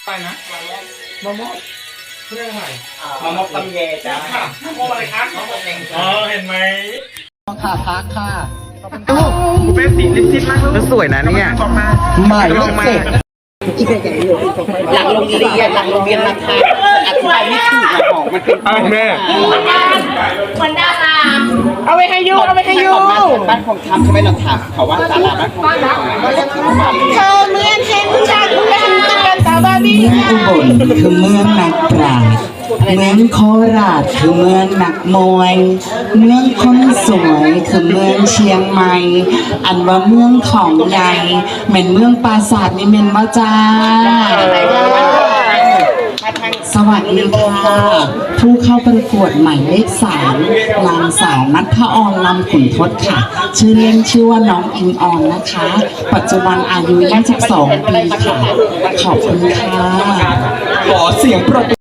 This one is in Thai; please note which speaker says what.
Speaker 1: ไปนะมะม่วงเรื่องอะไร
Speaker 2: มะม่วงตำแยจ้ามะม่วงอะไรครับมะม่วงแดงอ๋อเห็นไหม
Speaker 1: ค่ะพักค่ะ
Speaker 2: กูเป็นสีลิปมากแล้วสวยนะเนี่ย
Speaker 1: หมายเลขเจ็ด
Speaker 2: หลังโรงเรียนนะคะอธิบายไม่ถูกอะของมันเป็น
Speaker 3: แม่
Speaker 4: เหมือนดารา
Speaker 2: เอาไปให้ยูบ้านของทำใช่ไหมเราถามเขาว่าตลาดบ้านของทำก็เรียกชื่อมา
Speaker 4: เธอเหมือนเห็นฉันเล่นกันตาบาบี้
Speaker 5: เมืองอุบลคือเมืองนักปราชญ์เมืองโคราชคือเมืองนักมวย เมืองคนสวยคือเมืองเชียงใหม่ อันว่าเมืองของใหญ่เหม็นเมืองปราสาทนี่เม็นบ่จ้าสวัสดีค่ะผู้เข้าประกวดหมายเลข3นางสาวนัทออนลำขุนทศค่ะชื่อเล่นชื่อว่าน้องอิงออนนะคะ ปัจจุบันอายุ22 ปีค่ะขอบคุณค่ะ
Speaker 3: ขอเสียงปรบมือ